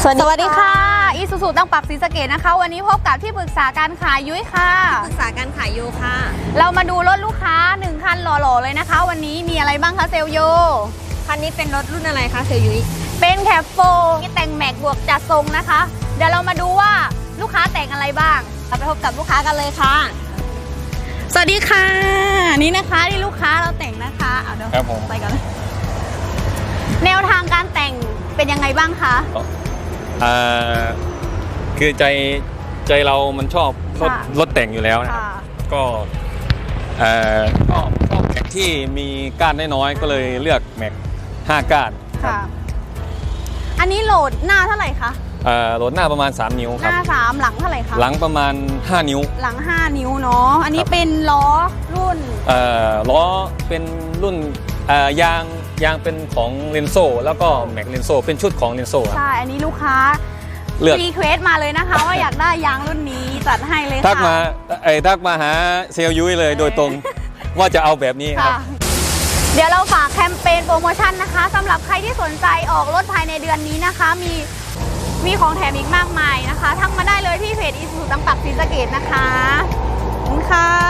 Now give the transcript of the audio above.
สวัสดีค่ะอีซูซูตั้งปักศรีสะเกษนะคะวันนี้พบกับที่ปรึกษาการขายยุ้ยค่ะที่ปรึกษาการขายโยค่ะเรามาดูรถลูกค้า1คันหล่อๆเลยนะคะวันนี้มีอะไรบ้างคะเซลโยคันนี้เป็นรถรุ่นอะไรคะเซลยุ้ยเป็นแคปโฟที่แต่งแม็กบวกจัดทรงนะคะเดี๋ยวเรามาดูว่าลูกค้าแต่งอะไรบ้างเราไปพบกับลูกค้ากันเลยค่ะสวัสดีค่ะนี่นะคะที่ลูกค้าเราแต่งนะคะเอาเดี๋ยวไปกันเลยแนวทางการแต่งเป็นยังไงบ้างคะคือใจเรามันชอบรถแต่งอยู่แล้วนะครับก็แม็กที่มีก้านน้อยๆก็เลยเลือกแม็ก5ก้านค่ะอันนี้โหลดหน้าเท่าไหร่คะโหลดหน้าประมาณ3นิ้วครับหน้า3หลังเท่าไหร่คะหลังประมาณ5นิ้วหลัง5นิ้วเนาะอันนี้เป็นล้อรุ่นล้อเป็นรุ่นยางเป็นของเรนโซแล้วก็แม็กเรนโซเป็นชุดของเรนโซใช่อันนี้ลูกค้ารีเควสมาเลยนะคะว่าอยากได้ยางรุ่นนี้จัดให้เลยค่ะทักมาหาเซลยุ้ยเลยโดยตรงว่าจะเอาแบบนี้ครับเดี๋ยวเราฝากแคมเปญโปรโมชั่นนะคะสำหรับใครที่สนใจออกรถภายในเดือนนี้นะคะมีของแถมอีกมากมายนะคะทักมาได้เลยที่เพจอีซูซูตั้งปักศรีสะเกษนะคะขอบคุณค่ะ